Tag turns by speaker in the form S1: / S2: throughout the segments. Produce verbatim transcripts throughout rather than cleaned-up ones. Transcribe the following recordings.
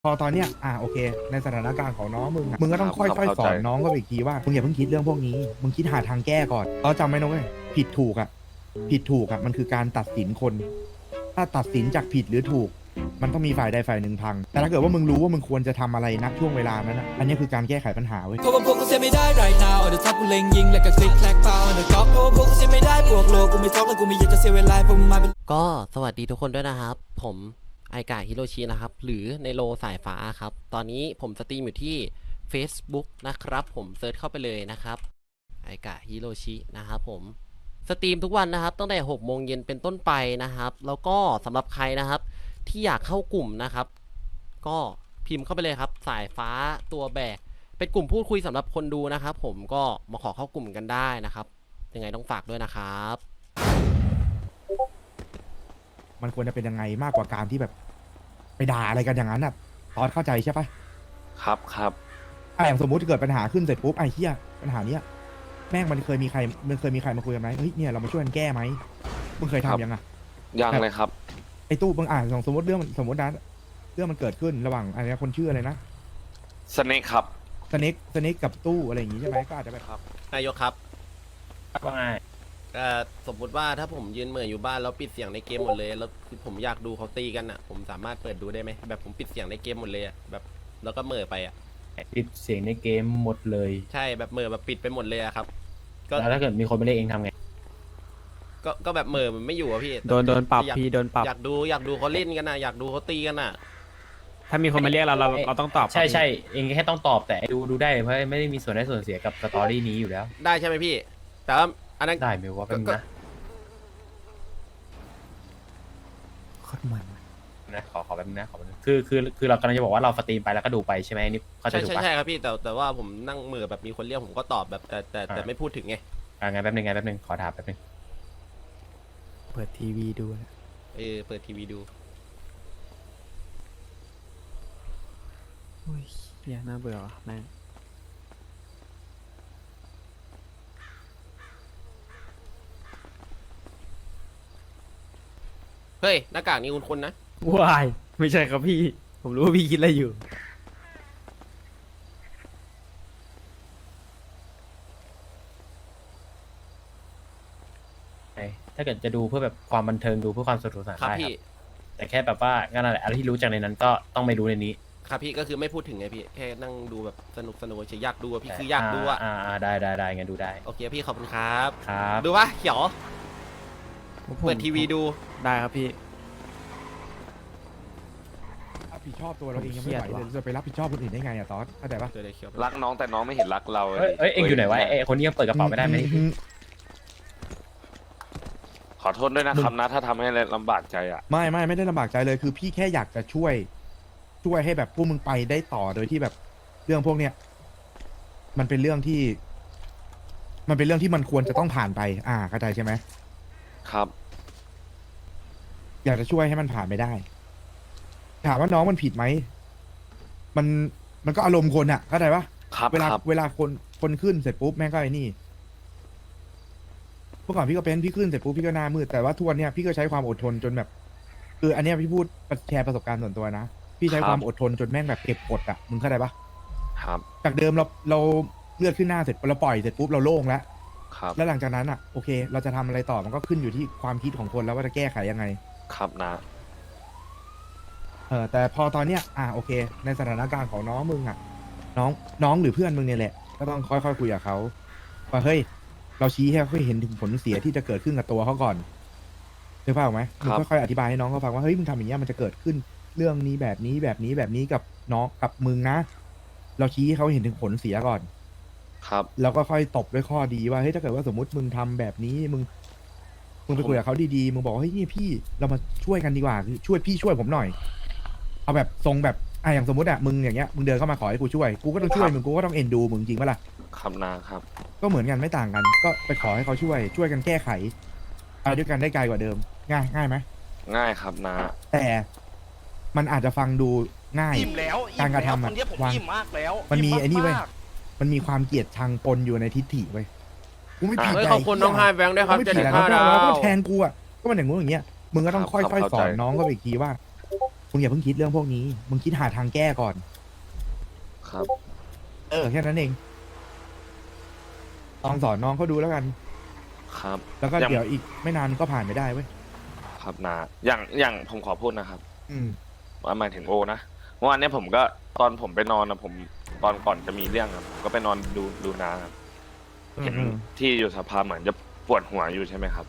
S1: พอตอนเนี้ยอ่าโอเคในสถานการณ์ของน้องมึงอะมึงก็ต้องค่อยๆสอนน้องก็อีกทีว่ามึงอย่าเพิ่งคิดเรื่องพวกนี้มึงคิดหาทางแก้ก่อนเราจำไว้นะเว้ยผิดถูกอ่ะผิดถูกอ่ะมันคือการตัดสินคน ถ้าตัดสินจากผิดหรือถูก มันต้องมีฝ่ายใดฝ่ายหนึ่งพังแต่ถ้าเกิดว่ามึงรู้ว่ามึงควรจะทำอะไรนักช่วงเวลานั้นนะอันนี้คือการแก้ไขปัญหาเว้ย
S2: เพราะว่าพวกกูเสียไม่ได้ right now เดี๋ยวทับกูเล็งยิงแล้วก็คลิกแคลกเปล่าเดี๋ยวก๊อกเพราะว่าพวกกูเสียไม่ได้บวกโลกูไม่ท็อกแล้วกูไม่อยากจะเสียเวลาพวกมึงมาเป็น
S3: ก็สวัสดีทุกคนด้วยนะครับผมไอกาฮิโรชินะครับหรือในโลสายฟ้าครับตอนนี้ผมสตรีมอยู่ที่ Facebook นะครับผมเซิร์ชเข้าไปเลยนะครับไอกาฮิโรชินะครับผมสตรีมทุกวันนะครับตั้งแต่หกโมงเย็นเป็นต้นไปนะครับแล้วก็สำหรับใครนะครับที่อยากเข้ากลุ่มนะครับก็พิมพ์เข้าไปเลยครับสายฟ้าตัวแบกเป็นกลุ่มพูดคุยสำหรับคนดูนะครับผมก็มาขอเข้ากลุ่มกันได้นะครับยังไงต้องฝากด้วยนะครับ
S1: มันควรจะเป็นยังไงมากกว่าการที่แบบไปด่าอะไรกันอย่างนั้นน่ะตอนเข้าใจใช่ปะ
S4: ครับครับ
S1: อ่ะอย่างสมมติเกิดปัญหาขึ้นเสร็จปุ๊บไอ้เหี้ยปัญหาเนี้ยแม่งมันเคยมีใครมันเคยมีใครมาคุยกันไหมเฮ้ยเนี่ยเรามาช่วยกันแก้ไหมมึงเคยทำยังอ่ะ
S4: ยังเลยครับ
S1: ไอ้ตู้มึงอ่านสมมติเรื่องสมมตินะเรื่องมันเกิดขึ้นระหว่างอะไรนะคนชื่ออะไรนะ
S4: สเน็คครับ
S1: สเน็กสเน็กกับตู้อะไรอย่างงี้ใช่ไหมก็อาจจะแบบ
S4: ครับ
S3: นายกครับ
S5: ว่าไง
S3: เอ่อสมมุติว่าถ้าผมยืนเหม่ออยู่บ้านแล้วปิดเสียงในเกมหมดเลยแล้วคือผมอยากดูเขาตีกันอ่ะผมสามารถเปิดดูได้ไหมแบบผมปิดเสียงในเกมหมดเลยอ่ะแบบแล้วก็เหม่อไปอ่ะ
S5: ปิดเสียงในเกมหมดเลย
S3: ใช่แบบเหม่อแบบปิดไปหมดเลยอะครับก็
S5: แล้วถ้าเกิดมีคนมาเรียกเองทำไง
S3: ก็ก็แบบเหม่อมันไม่อยู่อะพี่
S6: โดนโดนปรับ
S3: อยาก
S6: พี่โดนปรับ
S3: อยากดูอยากดูเขาเล่นกันนะอยากดูเขาตีกันน่ะ
S6: ถ้ามีคนมาเรียกเราเราเราต้องตอบ
S5: ใช่
S6: ครับ
S5: ใช่เองแค่ต้องตอบแต่ดูดูได้เพราะไม่ได้มีส่วนได้ส่วนเสียกับสตอรี่นี้อยู่แล้ว
S3: ได้ใช่ไหมพี่ แต่ว่าอันนั้น
S5: ได้ไหมว่าเป็นนะ
S6: โคตรมัน
S5: นะขอขอแป๊บนึงนะขอแป๊บนึงคือคือคือเรากำลังจะบอกว่าเราสตรีมไปแล้วก็ดูไปใช่ไหมนี่เข้าใจ
S3: ใช่
S5: ถูก
S3: ใช่
S5: ปะ
S3: ใช่ครับพี่แต่แต่ว่าผมนั่งเหม่อแบบมีคนเรียกผมก็ตอบแบบแต่แต่แต่
S5: อ่า
S3: ไม่พูดถึงไง
S5: อ่างั้นแป๊บนึงงั้นแป๊บนึงขอถามแป๊บนึง
S6: เปิดทีวีดูนะ
S3: เออเปิดทีวีดู
S6: โอ้ยเหี้ยน่าเบื่อว่ะแม่ง
S3: เฮ้ยหน้ากากนี้คุณคุณนะ
S6: วายไม่ใช่ครับพี่ ผมรู้ว่าพี่คิดอะไรอยู่
S5: ไอ้ถ้าเกิดจะดูเพื่อแบบความบันเทิงดูเพื่อความสนุกสนาน
S3: ครับ
S5: ได้ค
S3: พี่
S5: รับแต่แค่แบบว่างั้นอะไรอะไรที่รู้จากในนั้นก็ต้องไม่รู้ในนี้
S3: ครับพี่ก็คือไม่พูดถึงไงพี่แค่นั่งดูแบบสนุกสนุกเฉยอยากดูอะพี่คืออยากดูอะ
S5: อ่าอ่าได้ได้ได้งั้นดูได้
S3: โอเคพี่ขอบคุณครับ
S5: ครับ
S3: ดูปะเขียวเปิดทีวีดู
S6: ได้ครับพี่
S1: รับผิดชอบตัวเราเองยังไม่ไหว
S6: เครียด
S1: เลย
S6: ว่ะ
S1: จะไปรับผิดชอบคนอื่นได้ไงอะตอนเข้าใจปะ
S3: เจอเลยเขียว
S4: รักน้องแต่น้องไม่เห็นรักเรา
S5: เอ้ยเอ้ยเอ็งอยู่ไหนวะไอ้คนนี้ยังเปิดกระเป๋าไม่ได้ไหม
S1: อื
S4: ขอโทษด้วยนะครับนะถ้าทำให้ลำบากใจอ่ะ
S1: ไม่ไม่ไม่ได้ลำบากใจเลยคือพี่แค่อยากจะช่วย ช่วยให้แบบพวกมึงไปได้ต่อโดยที่แบบเรื่องพวกเนี้ยมันเป็นเรื่องที่ มันเป็นเรื่องที่มันควรจะต้องผ่านไป อ่าเข้าใจใช่ไหม
S4: ครับ
S1: อยากจะช่วยให้มันผ่านไปได้ ถามว่าน้องมันผิดไหมมันมันก็อารมณ์คนอะเข้าใจปะ
S4: ครับ
S1: เวลา
S4: ครับ
S1: เวลาคนคนขึ้นเสร็จปุ๊บแม่งก็ไอ้นี่เมื่อก่อนพี่ก็เป็นพี่ขึ้นเสร็จปุ๊บพี่ก็หน้ามืดแต่ว่าทุกวันเนี้ยพี่ก็ใช้ความอดทนจนแบบคืออันเนี้ยพี่พูดแชร์ประสบการณ์ส่วนตัวนะพี่ใช้ความอดทนจนแม่งแบบเก็บกดอะมึงเข้าใจปะ
S4: ครับ
S1: จากเดิมเราเราเลือดขึ้นหน้าเสร็จเราปล่อยเสร็จปุ๊บเราโล่งแล้ว
S4: ครับ
S1: แล้วหลังจากนั้นอะโอเค เราจะทำอะไรต่อมันก็ขึ้นอยู่ที่ความคิดของคนแล้วว่าจะแก้ไขยังไง
S4: ครับนะ
S1: เออแต่พอตอนเนี้ยอ่ะโอเค ในสถานการณ์ของน้องมึงอ่ะ น้องน้องหรือเพื่อนมึงเนี่ยแหละ ก็ต้องค่อยๆคุยกับเขาว่าเฮ้ย เราชี้ให้เขาเห็นถึงผลเสียที่จะเกิดขึ้นกับตัวเขาก่อนเดี๋ยวเปล่าไหมมึงค่อยๆอธิบายให้น้องเขาฟังว่าเฮ้ยมึงทำอย่างเงี้ยมันจะเกิดขึ้นเรื่องนี้แบบนี้แบบนี้แบบนี้กับน้องกับมึงนะ เราชี้ให้เขาเห็นถึงผลเสียก่อน
S4: ครับ
S1: แล้วก็ค่อยตบด้วยข้อดีว่าเฮ้ยถ้าเกิดว่าสมมติมึงทำแบบนี้มึงมึงไปคุยกับเขาดีๆมึงบอกว่าเฮ้ยนี่พี่เรามาช่วยกันดีกว่าคือช่วยพี่ช่วยผมหน่อย เอาแบบทรงแบบอ่ะอย่างสมมติอ่ะมึงอย่างเงี้ยมึงเดินเข้ามาขอให้กูช่วยกูก็ต้องช่วยมึงกูก็ต้องเอ็นดูมึงจริงปะล่ะ
S4: ครับนะครับ
S1: ก็เหมือนกันไม่ต่างกัน ก็ไปขอให้เขาช่วย ช่วยกันแก้ไขไปด้วยกันได้ไกลกว่าเดิม ง่ายง่ายไหม
S4: ง่ายครับนะ
S1: แต่มันอาจจะฟังดูง่าย
S7: อิ่มแล้ว
S1: การกระทำ
S7: ค
S1: อะ
S7: นเนี้ยผม
S1: วาง
S7: อิ่มมากแล้ว
S1: มันมี
S7: ม
S1: ไอ้นี่เว้ย
S7: มาก
S1: มันมีความเกลียดชังปนอยู่ในทิฏฐิเว้ยกูไม่ผิด
S3: เฮ้ย
S1: ใจ
S3: ขอบคุณน้องไฮแบงค์ด้วยครับ
S1: ไม่
S3: เจ็ด
S1: ผิด
S3: สิบ
S1: อะ
S3: ห้า
S1: แล้ว
S3: ดาว
S1: ก็แทนกูอ่ะก็มันอย่างงู้นอย่างเงี้ยมึงก็ต้องค่อยๆสอนน้องก็อีกทีว่ามึงอย่าเพิ่งคิดเรื่องพวกนี้ มึงคิดหาทางแก้ก่อน
S4: ครับ
S1: เออแค่นั้นเองลองสอนน้องเขาดูแล้วกัน
S4: ครับ
S1: แล้วก็
S4: ยัง
S1: เดี๋ยวอีกไม่นานก็ผ่านไปได้เว้ย
S4: ครับนาอย่างอย่างผมขอพูดนะครับ
S1: อืม
S4: ว่าหมายถึงโอนะเมื่อวานเนี้ยผมก็ตอนผมไปนอนนะผมตอนก่อนจะมีเรื่องครับผมก็ไปนอนดูดูนาครับเห็น
S1: อืม
S4: ที่อยู่สภาเหมือนจะปวดหัวอยู่ใช่ไหมครับ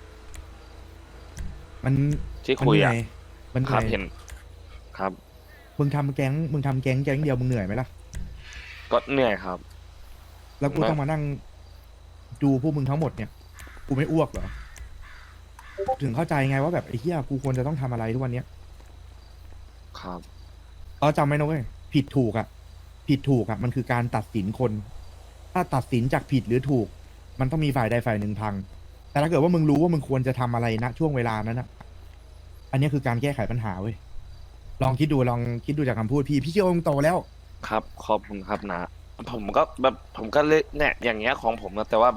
S1: มัน
S4: ที่
S1: มัน
S4: คุย
S1: เหนื่
S4: อ่ะ
S1: อยมันเห
S4: ครับ
S1: นื่อย
S4: เห็น ครับ
S1: มึงทำแก๊ง มึงทำแก๊งแก๊งเดียวมึงเหนื่อยไหมล่ะ
S4: ก็เหนื่อยครับ
S1: แล้วกู
S4: ไม่
S1: ต้องมานั่งดูพวกมึงทั้งหมดเนี่ย กูไม่อ้วกเหรอ ถึงเข้าใจไงว่าแบบไอ้เหี้ยกูควรจะต้องทำอะไรทุกวันเนี้ย
S4: ครับ
S1: เราจำไว้นะเว้ยผิดถูกอะผิดถูกอะมันคือการตัดสินคน ถ้าตัดสินจากผิดหรือถูก มันต้องมีฝ่ายใดฝ่ายหนึ่งพัง แต่ถ้าเกิดว่ามึงรู้ว่ามึงควรจะทำอะไรณช่วงเวลานั้นอะอันนี้คือการแก้ไขปัญหาเว้ยลองคิดดูลองคิดดูจากคำพูดพี่พี่เชื่อว่ามึงโตแล้ว
S4: ครับขอบคุณครับนะผมก็แบบผมก็เลยเนี่ยอย่างเงี้ยของผมนะแต่ว่าแบบ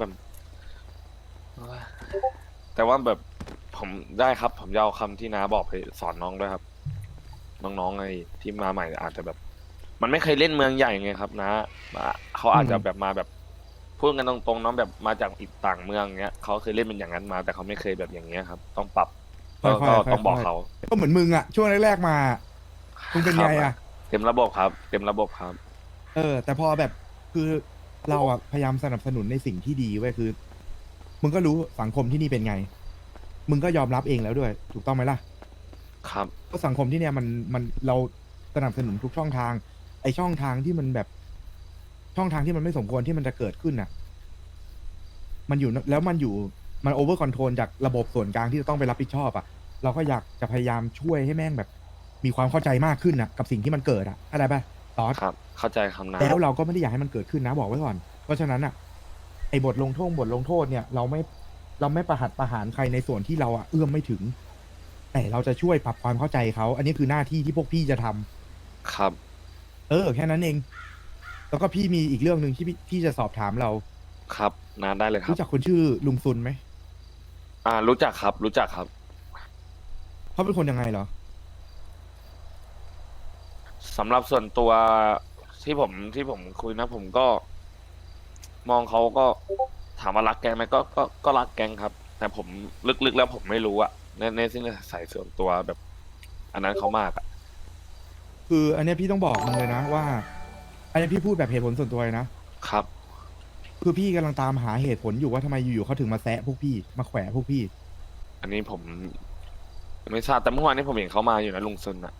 S4: แต่ว่าแบบผมได้ครับ ผมจะเอาคำที่น้าบอกไปสอนน้องด้วยครับ น้องๆไอ้ที่มาใหม่อาจจะแบบ มันไม่เคยเล่นเมืองใหญ่ไงครับนะเขาอาจจะแบบมาแบบพูดกันตรงๆน้องแบบมาจากอีกต่างเมืองเงี้ยเขาเคยเล่นเป็นอย่างนั้นมา แต่เขาไม่เคยแบบอย่างเงี้ยครับ ต้องปรับก็
S1: ค่อยๆ
S4: ก็ต้องบอก
S1: ค่อยๆ
S4: เขา
S1: ก็เหมือนมึงอะช่วงแรกๆมามึงเป็นไง
S4: ครั
S1: อะ
S4: บเต็มระบบครับ เต็มระบบครับ
S1: เออ แต่พอแบบคือเราอะพยายามสนับสนุนในสิ่งที่ดีเว้ยคือ มึงก็รู้สังคมที่นี่เป็นไง มึงก็ยอมรับเองแล้วด้วย ถูกต้องไหมล่ะ
S4: ครับ
S1: เพราะสังคมที่เนี่ยมันมันเราสนับสนุนทุกช่องทาง ไอช่องทางที่มันแบบช่องทางที่มันไม่สมควรที่มันจะเกิดขึ้นน่ะ มันอยู่แล้วมันอยู่มันโอเวอร์คอนโทรลจากระบบส่วนกลางที่จะต้องไปรับผิดชอบอ่ะ เราก็อยากจะพยายามช่วยให้แม่งแบบ มีความเข้าใจมากขึ้นน่ะ กับสิ่งที่มันเกิดอ่ะอะไรป่ะตอส
S4: ครับ เข้าใจคำนะ
S1: แล้วเราก็ไม่ได้อยากให้มันเกิดขึ้นนะบอกไว้ก่อน เพราะฉะนั้นอ่ะไอ้บทลงโทษบทลงโทษเนี่ย เราไม่เราไม่ประหัตประหารใครในส่วนที่เราอ่ะเอื้อมไม่ถึง แต่เราจะช่วยปรับความเข้าใจเขาอันนี้คือหน้าที่ที่พวกพี่จะทำ
S4: ครับ
S1: เออแค่นั้นเอง แล้วก็พี่มีอีกเรื่องหนึ่งที่พี่พี่จะสอบถามเรา
S4: ครับนาได้เลยครับ
S1: รู้จักคนชื่อลุงซุนไหม
S4: อ่า รู้จักครับ รู้จักครับ
S1: เขาเป็นคนยังไงเหรอ
S4: สำหรับส่วนตัวที่ผมที่ผมคุยนะ ผมก็ มองเขาก็ถามว่ารักแกงไหมก็ก็ก็รักแกงครับ แต่ผมลึกๆแล้วผมไม่รู้อะในในสิ่งที่ใส่ส่วนตัวแบบ อันนั้นเขามากอะ
S1: คืออันเนี้ยพี่ต้องบอกมึงเลยนะว่า อันเนี้ยพี่พูดแบบเหตุผลส่วนตัวเลยนะ
S4: ครับ
S1: คือพี่กำลังตามหาเหตุผลอยู่ว่าทำไมอยู่ๆเขาถึงมาแซะพวกพี่มาแขวะพวกพี่
S4: อันนี้ผมไม่ทราบแต่เมื่อวานนี้ผมเห็นเขามาอยู่นะลุงซุนอะ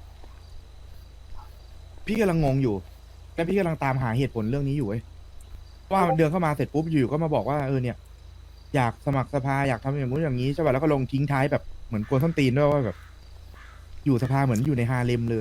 S1: พี่กำลังงงอยู่ และพี่กำลังตามหาเหตุผลเรื่องนี้อยู่เว้ยว่าเดินเข้ามาเสร็จปุ๊บอยู่ๆก็มาบอกว่าเออเนี่ย อยากสมัครสภาอยากทำอย่างนู้นอย่างนี้ใช่ป่ะแล้วก็ลงทิ้งท้ายแบบเหมือนกวนส้นตีนด้วยว่าแบบ อยู่สภาเหมือนอยู่ในฮาเลมเลย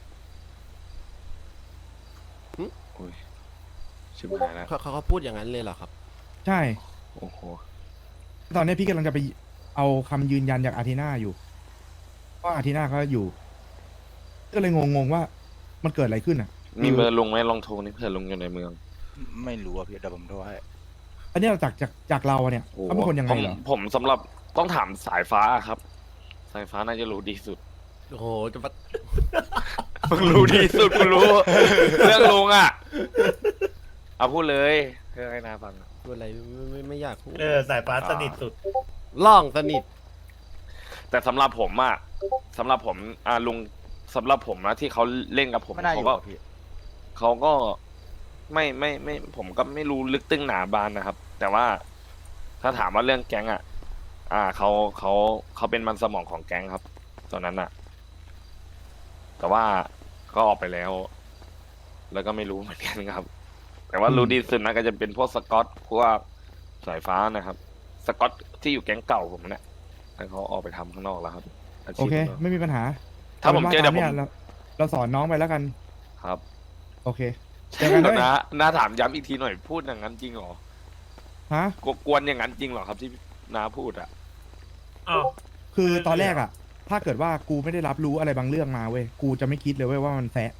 S4: โอ้ยชิบหายแล้ว
S3: เขาเขาเขาพูดอย่างนั้นเลยเหรอครับ
S1: ใช่
S4: โอ้โห
S1: ตอนนี้พี่กำลังจะไปเอาคำยืนยันจากอาร์เทนาอยู่ว่าอาร์เทนาเขาอยู่ ก็เลยงงๆว่ามันเกิดอะไรขึ้นอ่ะ
S4: มีเบอร์ลุงไหมลองโทรนี่เผื่อลุงอยู่ในเมือง
S7: ไม่รู้อะพี่เดี๋ยวผมโทรให้
S1: อันเนี้ยจากจากจากเราเนี่ย
S4: โอ้โห
S1: เขาเป็นคนยังไงเหรอ
S4: ผมผมสำหรับต้องถามสายฟ้าครับ สายฟ้าน่าจะรู้ดีสุด
S3: โอ้โห จะมา
S4: มึงรู้ดีสุดกูรู้ เรื่องลุงอ่ะ เอาพูดเลยเพื่อให้นาฟังอะ
S3: พูดอะไรไม่ไม่ไม่อยากพูด
S8: เออสายฟ้าสนิทสุด
S3: ล่องสนิท
S4: แต่สำหรับผมอ่ะสำหรับผมอ่าลุงสำหรับผมนะที่เขาเล่นกับผม
S7: ไม่น่าอ
S4: เขา
S7: ยู่
S4: ก็
S7: อะพี่
S4: เขาก็ไม่ไม่ไม่ ผมก็ไม่รู้ลึกตึ้งหนาบานนะครับ แต่ว่าถ้าถามว่าเรื่องแก๊งอ่ะ อ่าเขาเขาเขาเป็นมันสมองของแก๊งครับ ตอนนั้นอ่ะ แต่ว่าก็ออกไปแล้ว แล้วก็ไม่รู้เหมือนกันครับ แต่ว่ารู้ดีสุดนะก็จะเป็นพวกสกอตพวกสายฟ้านะครับ สกอตที่อยู่แก๊งเก่าผมเนี่ยแล้วเขาออกไปทำข้างนอกแล้วครับา
S1: โอ
S4: ชีพ
S1: เค
S4: ของขา
S1: ไม่มีปัญหา
S4: ถ้าผมเจอเดี๋ยวผม
S1: นี่เราเราสอนน้องไปแล้วกัน
S4: ครับ
S1: โอเคเจอกันด้วย
S4: นะน้าถามย้ำอีกทีหน่อยพูดอย่างนั้นจริงเหรอ
S1: ฮะ
S4: กกวนอย่างนั้นจริงเหรอครับที่น้าพูดอ่ะ
S8: อ้าว
S1: คือตอนแรกอ่ะ ถ้าเกิดว่ากูไม่ได้รับรู้อะไรบางเรื่องมาเว้ยกูจะไม่คิดเลยเว้ยว่ามันแซะ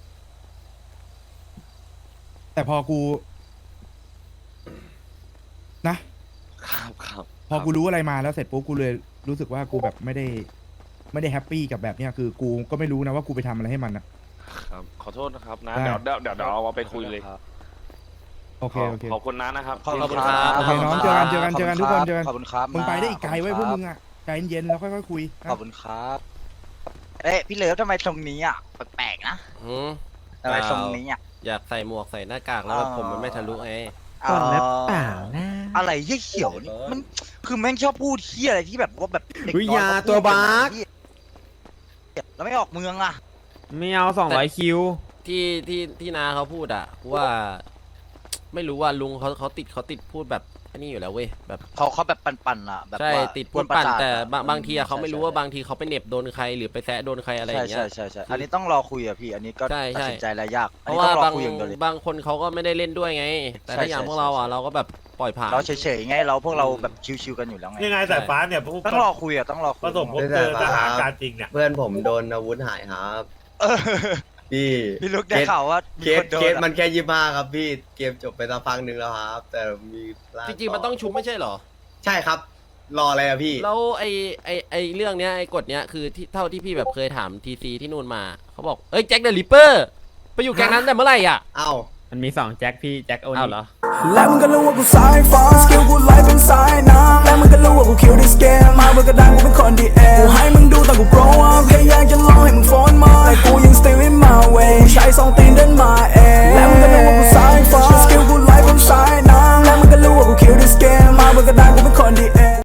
S1: แต่พอกู นะ
S4: ครับครับ
S1: พอกูรู้อะไรมาแล้วเสร็จปุ๊บกูเลยรู้สึกว่ากูแบบไม่ได้ไม่ได้แฮปปี้กับแบบเนี้ยคือกูก็ไม่รู้นะว่ากูไปทำอะไรให้มันอ่ะ
S4: ครับขอโทษนะครับนะ
S1: ได้
S4: เดี๋ยวเดี๋ยวเดี๋ยวเดี๋ยวเอาไปคุยเลย
S1: โอเคโอเค
S4: ขอบคุณนะนะครับ
S7: ขอบคุณ
S4: ที่
S7: ครับ
S1: โอเคน้องเจอกันเจอกันเจอกันทุกคนเจอกัน
S7: ขอบคุณครับ
S1: มึงไปได้อีกไกลไว้ยพวกมึงอ่ะใจเย็นๆแล้วค่อยๆคุยนะ
S7: ขอบคุณครับ เอ๊ะพี่เลิฟทำไมทรงนี้อ่ะแปลกๆนะ
S3: หืม
S7: ทำไมทรงนี้อ่ะ
S3: อยากใส่หมวกใส่หน้ากากแล้วแบบผมมันไม่ทะลุไง
S6: ก่อนแล้วเปล่านะ
S7: อะไรเหี้ยเขียวนี่มันคือแม่งชอบพูดเหี้ยอะไรที่แบบว่าแบบเด็ก
S6: อุ๊ย
S7: น้อย
S6: ยา
S7: เขาพูด
S6: ตัวบาส
S7: กันนะแล้วไม่ออกเมืองอ่ะ
S6: ไม่เอาสองร้อยคิว
S3: ที่ที่ที่นาเขาพูดอะว่า ไม่รู้ว่าลุงเขาเขาติดเขาติดพูดแบบอันนี้อยู่แล้วเว้ยแบบ
S7: เขาเขาแบบปั่นๆอ่ะแบบ
S3: ใช่
S7: ว่า
S3: ติดพูดปั่น
S7: กวระสาท
S3: แต่
S7: อะ
S3: บางบางทีอะเขาไม่รู้ว่า
S7: ใช่
S3: บางทีเขาไปเหน็บโดนใครหรือไปแซะโดนใครอะไรอ
S7: ใช่
S3: ย่างเงี้
S7: ใช่
S3: ย
S7: ใช่ใช่อันนี้ต้องรอคุยอ่ะพี่ อันนี้ก็
S3: ใช่ใช่
S7: ตัดสินใจอะไรยาก
S3: เพ
S7: อัน
S3: ราะ
S7: นี้
S3: ว่า
S7: ต้องรอบ
S3: าง
S7: คุยอย่างเดียวเลย
S3: บางคนเขาก็ไม่ได้เล่นด้วยไง แต่ถ้า
S7: ใช่
S3: อย่าง
S7: ใช่
S3: พวกเราอะ
S7: ใช่
S3: เราก็แบบปล่อยผ่าน
S7: เราเฉยๆไงเราพวกเราแบบชิวๆกันอยู่แล้วไง
S8: ยังไงสายฟ้าเนี่ยผู้
S7: ต้องรอคุยอ่ะต้องรอคุ
S8: ผ
S7: ย
S8: สมพบเจอสถานการณ์จริงเนี่ย
S9: เพื่อนผมโดนอาวุธหายครับ
S7: เออ
S9: พี่
S7: พี่ลุกได้ข่าวว่ามี
S9: เค
S7: ค
S9: ส
S7: นโด
S9: เคน ส
S7: อะ
S9: มันแค่ยี่ห้าครับพี่เกมจบไปสักพักหนึ่งแล้วครับ แต่มีร่า
S3: จริงๆมันต้องชุบไม่ใช่เหรอ
S9: ใช่ครับ รออะไรอะพี่
S3: แล้วไอไอไอเรื่องเนี้ยไอกฎเนี้ยคือที่เท่าที่พี่แบบเคยถามทีซีที่นู่นมาเขาบอกเอ้ยแจ็คเดอะริปเปอร์ไปอยู่แก๊งนั้นแต่เมื่อไหร่อ่ะ
S9: เอ้า
S6: มันมีสองแจ็คพี่แจ็คโอ
S3: อ้าว
S6: นี่
S3: เหรอ
S2: และมึงก็รู้ว่ากูสายฟ้าสกิลกูไลฟ์เป็นสายน้ำและมึงก็รู้ว่ากูคิวดิสเกมมาเบอร์กระดานกูเป็นคนดีเอกูให้มึงดูตอนกู grow up แค่อยากจะลองให้มึงโฟนมา